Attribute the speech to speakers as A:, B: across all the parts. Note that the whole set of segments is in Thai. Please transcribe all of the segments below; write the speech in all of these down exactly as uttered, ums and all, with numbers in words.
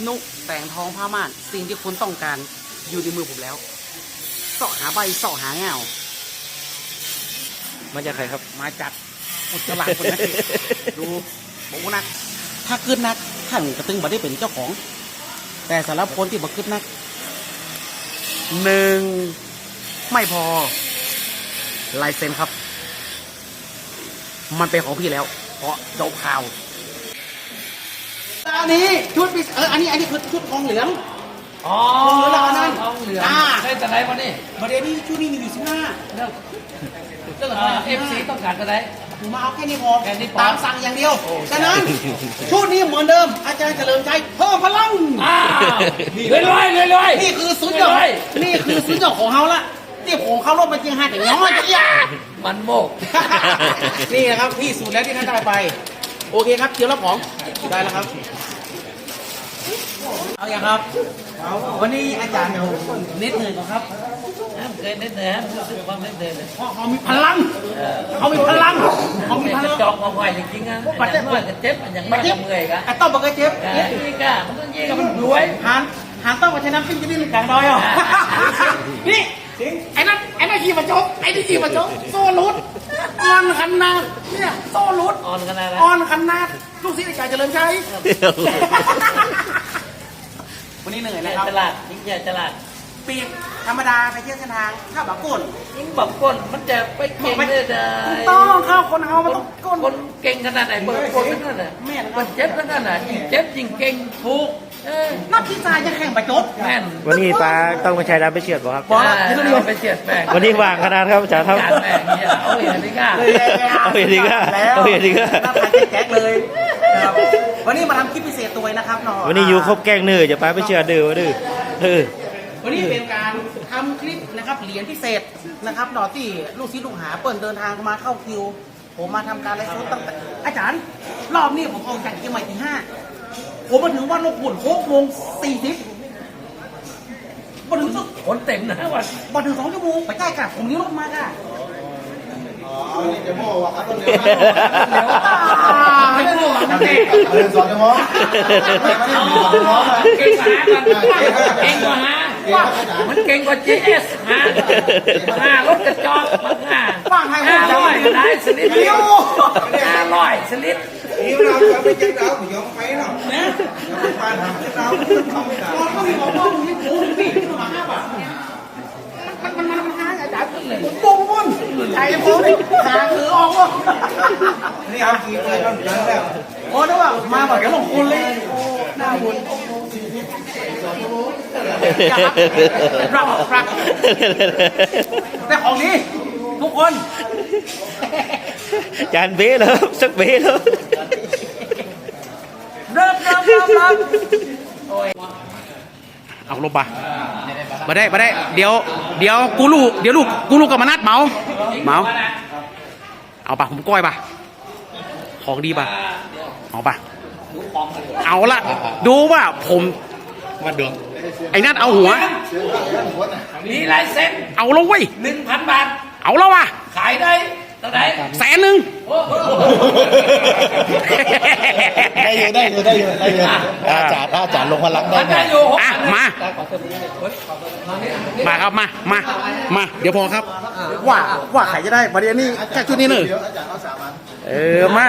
A: นุแต่งทองผ้าม่านสิ่งที่คุณต้องการอยู่ในมือผมแล้วเสาะหาใบเสาะหาเงา
B: มาจากใครครับ
A: มาจากอุจจาระคนนั้นดูบอกว่านักถ้าขึ้นนักท่านกระตึงมาได้เป็นเจ้าของแต่สำหรับคนที่มาขึ้นนักหนึ่งไม่พอลายเซ็นครับมันเป็นของพี่แล้วเพราะเจ้าข่าวอันนี้ชุดพิเอออันนี้อันนี้คือชุดทองเหลือง
C: อ๋อ
A: ทองเหลืองแล้วนั่น
C: ทองเหลือง
A: อ่า
C: ได้แต่ไหนมาดิ
A: ประเดี๋ยวนี้ชุดนี้มีอยู่สิบห้า
C: เรื่อง
A: เรื่อง
C: เอฟซีต้องการแต่ไหน
A: ผมมาเอาแค่นี้พอ
C: แค่นี้พอ
A: ตามสั่งอย่างเดียวฉะนั้นชุดนี้เหมือนเดิมอาจารย์เฉลิมชัยเพิ่มพลัง
C: อ้าวรวยรวยรวยรวย
A: นี่คือสุดยอดนี่คือสุดยอดของเขาละที่ผมเข้ารอบมาจริงฮะแต่ย้อนจะยา
C: มันโมก
A: นี่นะครับที่สุดแล้วที่ท่านได้ไปโอเคครับเกี่ยวรับของได้แล้วครับเอาอย่างครับเอาวันนี้อาจารย์เดี๋ยวเน็ตเหนื่อยก่อนครับ
C: เคยเน้นเลยฮะรู้สึกความเน้นเลย
A: เพราะเขามีพลังเขามีพลังเขามีพลัง
C: จอกมาไหวจริงๆอ่ะอย่างน้อยก็เจ็บอย่างมากก็เมื่อยกัน
A: ไอ้ต้อมบอกว่าเจ็บ
C: นี่ก็มันต้องยิงกับมันรวย
A: หันหันต้องมาใช้น้ำปิ้งจะได้กลางดอยอ่ะนี่ไอ้นั่นไอ้นั่นขี่มาจกไอ้นี่ขี่มาจกโซ่ลุดออนขันนาดเนี่ยโซ่ลุด
C: อ่อนขนาดนั้น
A: ออนขันนาดลูกศิษย์อาจารย์เฉลิมชัยวันนี้เหนื่อยนะครับ
C: ฉลาดยิ่งใหญ่ฉลาด
A: ปีกธรรมดาไปเที่ยวเส้นทางข้าวบาก้น
C: ยิ่งแบบก้นมันจะไปเก่งได้ได้
A: ต้องข้าวคนเอามันต้องก้น
C: คนเก่งขนาดไหนเบิร์ก้นนั่นน่ะมันเจ็บนั่นน่ะยิ่งเจ็บยิ่งเก่งถูกเออ
A: นักพิจารณ์จะแข่งไปจด
C: แม่น
B: วันนี้ปลาต้องมาใช้น้ำไปเฉียดบ่ครับ
C: เอาไปเจียดแป้ง
B: วันนี้วางขนาดครับอาจารย์ครับ
C: การแป้งเนี่ยเอาอย่างนี้ก็
B: เอาอย่างนี้ก็
A: แล้ว
B: เอาอย่างนี้ก็
A: หน้าตาแจ๊กเลยนะครับวันนี้มาทำคลิปพิเศษตัวนะครับหนอ
B: วันนี้อยู่ครบแกงเนื้อจะปลาไปเฉียดดื้อวะดื้อเออ
A: วันนี้เป็นการทำคลิปนะครับเหรียญพิเศษนะครับหนอที่ลูกศิษย์ลูกหาเปิดเดินทางมาเข้าคิว ผมมาทำการไลฟ์สดตั้งแต่อาจารย์รอบนี้ผมออกจากเชียงใหม่ที่ห้าผมมาถึงวันลงขุนหกโมงสี่สิบมาถึงสัก
C: คนเต็มนะวัน
A: มาถึงสองชั่วโมงไปใกล้กับผมนี้รถมาค่ะ
D: อ๋อนี่จะโม่วะครับต้นเดียว
A: เดี๋ยวไม่พูดหรอกนะพี่
D: เดินสองชั่วโมงไม่ได้มีสองชั่วโมง
C: เก่งกว่าฮะกันเก่งกว่าฮะมันเก่งกว่า จี เอส ฮะห้ารถกระจอกมันห้า
A: ฟังให้
C: ห้า
A: ผม
C: ร้อยก็ได้สลิปเดียวห้าร้อยสลิป
D: นี่เราจะไปเจ็บเราไม่ยอมไปหรอกเนี่ยปานหาเราทำไม่ได้
A: ตอนเขามีบอกว่ามึงนี่โอ้ยพี่มาห้าบาทมันมันมันมันห้าอาจารย์ผมโกงมันใจผมนี่หาคือออกวะ
D: นี่เอากี่เลยเราเดินแล้ว
A: โอ้ได้ว่ามาบอกแกลงคนเลยหน้าบุญรับครับแต่ของนี้ทุกคน
B: จานเบ้แล้วสักเบ้แล้ว
A: เริ่มเริ่มเริ่มเริ่มเอาลงปะมาได้มาได้เดี๋ยวเดี๋ยวกูลูกเดี๋ยวลูกกูลูกกับมานัดเมาเมาเอาปะผมก้อยปะของดีปะเอาปะเอาละดูว่าผมมาดวงไอ้นัดเอาหัว
C: มีลายเซ็น
A: เอาลงเว้ย
C: หนึ่งพันบาท
A: เอาแล้ววะ
C: ขายได้เท่าไหร่
A: แสนหนึ่ง
D: ได้อยู่ได้อยู่ได้อยู่ได้อยู่อาจารย์อาจารย์ลงพลังได้
C: มัน
D: ไหม
C: ได้อยู่หก
A: อ่ะมา มาครับมามามาเดี๋ยวพอครับ ว่าว่าใครจะได้ประเดี๋ยวนี้แค่ชุดนี้หนึ่ง
D: อาจารย์เอาสามอัน
A: เออมา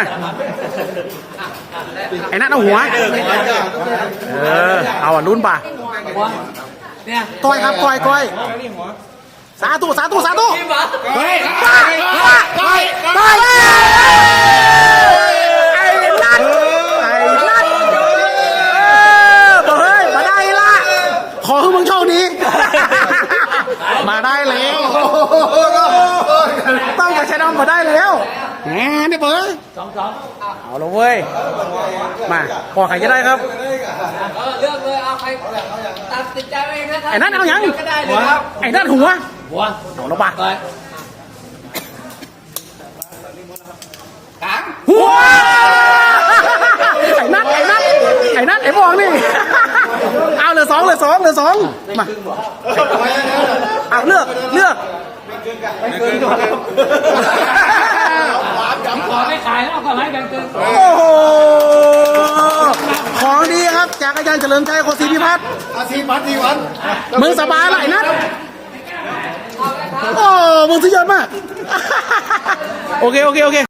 A: ไอ้นั่นเอาหัวเออเอาอ่ะลุ้นป่ะ
C: เนี่ย
A: ก้อยครับก้อยก้อยสาธุสาธุสาธุ
C: จริงเหรอ
A: เฮ้ยก้อยก้อยก้อยก้อยไอ้นั่นไอ้นั่นเออบอกเฮ้ยมาได้ละขอให้มึงโชคดีมาได้แล้วต้องมาใช้น้ำมาได้แล้วแหมนี่เบิร์ด
C: สองสอง
A: เอาละเว้ยมาพอใครจะได้ครับ
C: เออเลือกเลยเอาใครตัดสินใจเองนะครับ
A: ไอ้นั่นเอายัง
C: ก็ได้เลยครับ
A: ไอ้นั่นหัว
C: หัว
A: เอาละบ้า
C: เลย
A: หัวไอ้นั่นไอ้นั่นไอ้นั่นไอ้บองนี่เอาเหลือสองเหลือสองเหลือสองมาเอาเลือกเลือก
C: ขอไม่ขายแล้วเอาขอให้แบ่งเกิน
A: โอ้โหของดีครับครับจากอาจารย์เฉลิมชัยโคศิพิพัฒน์
D: อาชีพพัฒน์ทีวัน
A: มึงสบายไรนัดโอ้มึงสุดยอดมาก โอเค โอเค โอเค